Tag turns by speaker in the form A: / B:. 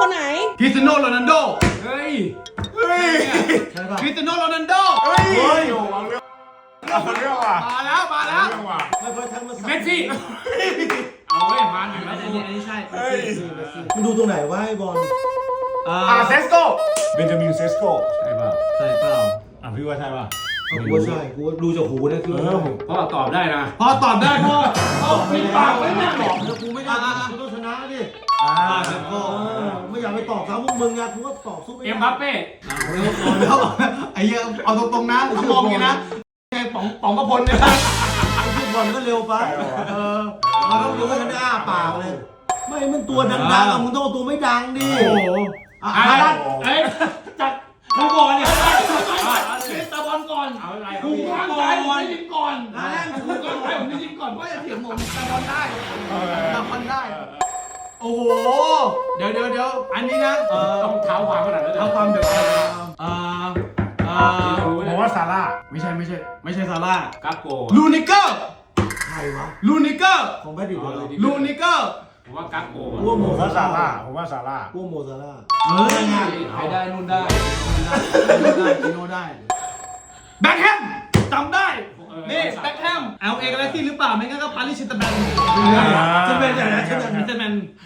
A: คนไหน
B: คริสเตียโนโรนัลโด
C: เฮ้ย
D: ใช่ป่ะ
B: คริสเตียโนโรนัลโด
E: เฮ้ยเอาเรื่องว่ะ
B: มาแล้ว
E: เอาเรื่องว่ะ
D: ไม่ค่อยทันมา
C: เมสซี่เอาเว้ยผ่านอยู่แล้ว
B: อันนี้ใช่
D: มึงดูตรงไหนวะไอ้บอล
E: เซสโก้เบนจามินเซสโก้
C: ใช่ป่ะ
B: ใช่เปล่า
E: พี่ว่าใช่ป่ะ
D: กูว่าใช่กูดูจากหูนะคือ
C: พ่อตอบได้นะ
B: พอตอบได้พ่อ
D: ปิดปากไว้เนี่ยหลอกแล้วกูไม่ได้กูต้องชนะดิ
B: เซนโก้
D: ไม่อยากไปตอบซ้ำพวกมึงไงกูก็ตอบสู้ไม่ได้
C: เอ็มบัปเป้
B: แล้วไอ้เหี้ยเอาตรงๆนะถ้ามองอย่างนี้นะไอ้ป๋องประพลเนี่ย
D: ไอ้บอลก็เร็วไปเราต้องรู้ว่าฉันได้อ้าปากเลยไม่มันตัวดังๆมึงต้องเอาตัวไม่ดังดิ
B: โอ้โห
C: เอ้ยจัดกูก่อนเนี่ยตะบอลก่อนเอาอะไรกูก่อนผมได้ยิงก่อนกูก่อนผมได้ยิงก่อนเพราะอย่าเถียงผม
B: ตะบอลได้ตะบอลได้โอ้โหเดี๋ยวอันนี้นะ
C: ต้องเท้าความขนาดนั้นเลย
B: เท่าความเดี๋ยว
E: ผมว่าซาร่า
B: ไม่ใช่ซาร่า
C: กัปโก
B: ลูนิเกอร์
D: ใครวะ
B: ลูนิเกอร์
D: ของแบดดิเหรอ
B: ลูนิเกอร์
C: ผมว่ากัปโก
D: กูว่าโม
E: ผมว่า
D: ซา
E: ซา
D: ร่า
E: ร่าผมว่าซาร่า
D: กูว่าโมซาร่า
B: เฮ้ย
C: ใครได้นู่นได้
B: กิโนได้แบ็คแฮมจำได้นี่แบ็คแฮมLA กาแล็กซี่หรือเปล่าไม่งั้นก็ปารีสแซงต์แชร์แมง
D: ฉันเป็นอย่างนั้นฉันเป็น
B: แซงต์แชร์แมง